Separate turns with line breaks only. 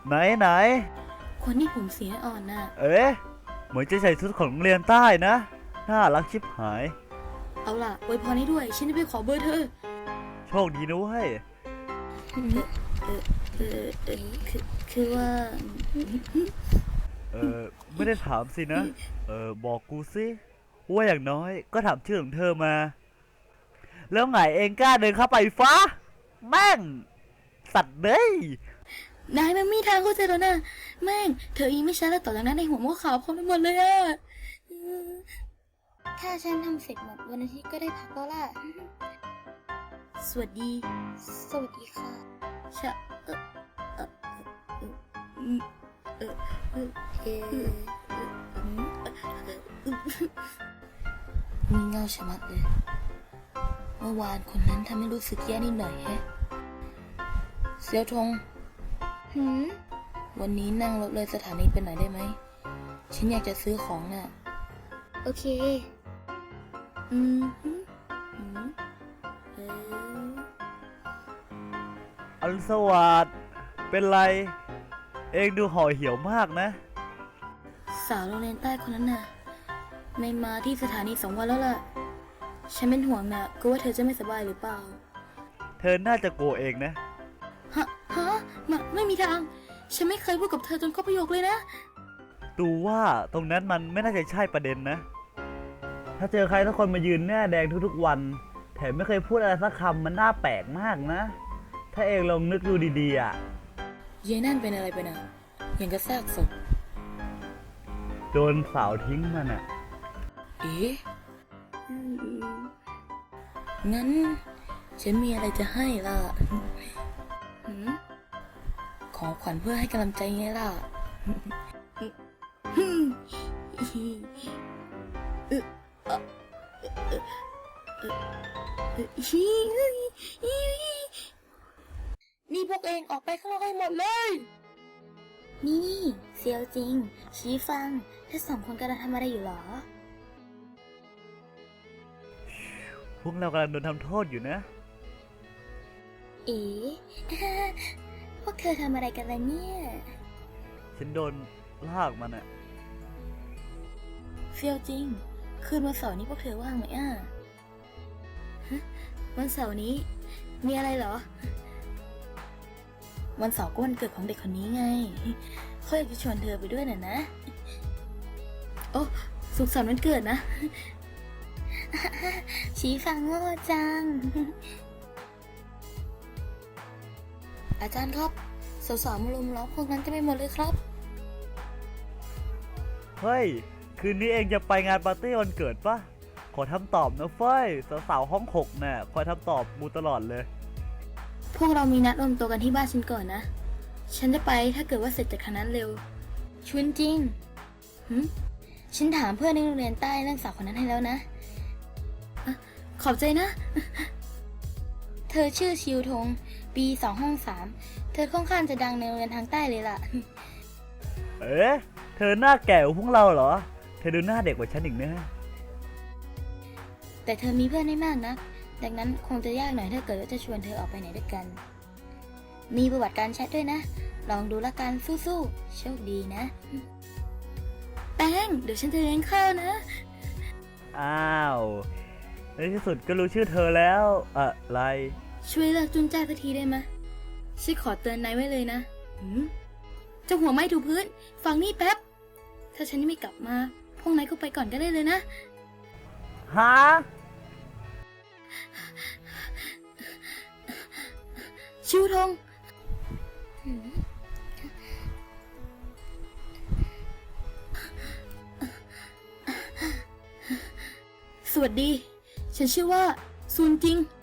ไหน
คนที่ผมเสียอ่อนน่ะ
เหมือนจะใส่ชุดของโรงเรียนใต้นะน่ารักชิบหาย
เอาล่ะอวยพรให้ด้วยฉันจะไปขอเบอร์เธอ
โชคดีนะเว้ย
คือว่า
ไม่ได้ถามสินะบอกกูสิว่าอย่างน้อยก็ถามชื่อของเธอมาแล้วไงเองกล้าเดินเข้าไปฟ้าแม่งสัตว์เด้ย
นายมันมีทางเข้าใจแล้วนะแม่งเธออีไม่ใช่แล้วต่อจากนั้นในหัวมันขาวพร้อมไปหมดเลยอะถ้าฉันทำเสร็จหมดวันอาทิตย์ก็ได้พักแล้วล่ะสวัสดีค่ะมีเงาชะมัดเลยเมื่อวานคนนั้นทำให้รู้สึกแย่นิดหน่อยแฮะเซียวทงวันนี้นั่งรถเลยสถานีไปหน่อยได้ไหมฉันอยากจะซื้อของน่ะโอเค
อรุณสวัสดิ์เป็นไรเองดูห่อเหี่ยวมากนะ
สาวโรงเรียนใต้คนนั้นน่ะไม่มาที่สถานี2 วันแล้วล่ะฉันเป็นห่วงน่ะกลัวว่าเธอจะไม่สบายหรือเปล่า
เธอน่าจะโกรธเองนะ
ฮะไม่มีทางฉันไม่เคยพูดกับเธอจนครบประโยคเลยนะ
ดูว่าตรงนั้นมันไม่น่าจะใช่ประเด็นนะถ้าเจอใครทุกคนมายืนหน้าแดงทุกๆวันแถมไม่เคยพูดอะไรสักคำมันน่าแปลกมากนะถ้าเองลองนึกดูดีๆอ่ะ
เยนั่นเป็นอะไรไปนะอย่างกระซากศพ
โดนสาวทิ้งมันอ่ะ
งั้นฉันมีอะไรจะให้ล่ะของขวัญเพื่อให้กำลังใจไงล่ะนี่พวกเองออกไปข้างนอกให้หมดเลยนี่เซียวจริงชี้ฟังถ้า2 คนกำลังทำอะไรอยู่หรอ
พวกเรากำลังโดนทำโทษอยู่นะ
พวกเธอทำอะไรกันล่ะเนี่ย
ฉันโดนลากมันอะ
เซียวจริงคืนวันเสาร์นี้พวกเธอว่างไหมวันเสาร์นี้มีอะไรเหรอวันเสาร์ก็วันเกิดของเด็กคนนี้ไงเขาอยากจะชวนเธอไปด้วยน่ะนะโอ้สุขสันต์วันเกิดนะชี้ฟังโง่จังอาจารย์ครับสาวๆมาลุมล้อมพวกนั้นจะไปหมดเลยครับ
เฮ้ยคืนนี้เองจะไปงานปาร์ตี้วันเกิดปะขอทำตอบนะเฟ้ยสาวๆห้อง6น่ะคอยทำตอบมูตลอดเลย
พวกเรามีนัดรวมตัวกันที่บ้านฉันก่อนนะฉันจะไปถ้าเกิดว่าเสร็จจากคณะเร็วชวนจริงฉันถามเพื่อนในโรงเรียนใต้เรื่องสาวคนนั้นให้แล้วนะขอบใจนะเธอชื่อชิวทงปี2 ห้อง 3เธอค่อนข้างจะดังในโรงเรียนทางใต้เลยล่ะ
เธอหน้าแก่กว่าพวกเราเหรอเธอดูหน้าเด็กกว่าฉันอีกนะ
แต่เธอมีเพื่อนไม่มากนะดังนั้นคงจะยากหน่อยถ้าเกิดว่าจะชวนเธอออกไปไหนด้วยกันมีประวัติการแชทด้วยนะลองดูละกันสู้ๆโชคดีนะแป้งเดี๋ยวฉันจะเลี้ยงข้าวนะ
อ้าวในที่สุดก็รู้ชื่อเธอแล้วอะไร
ช่วยเลิกจุนจ้าสักทีได้ไหมฉันขอเตือนนายไว้เลยนะเจ้าหัวไม้ถูพื้นฟังนี่แป๊บถ้าฉันไม่กลับมาพวกนายก็ไปก่อนก็ได้เลยนะ
ฮะ
ชิวทงสวัสดีฉันชื่อว่าซุนจิง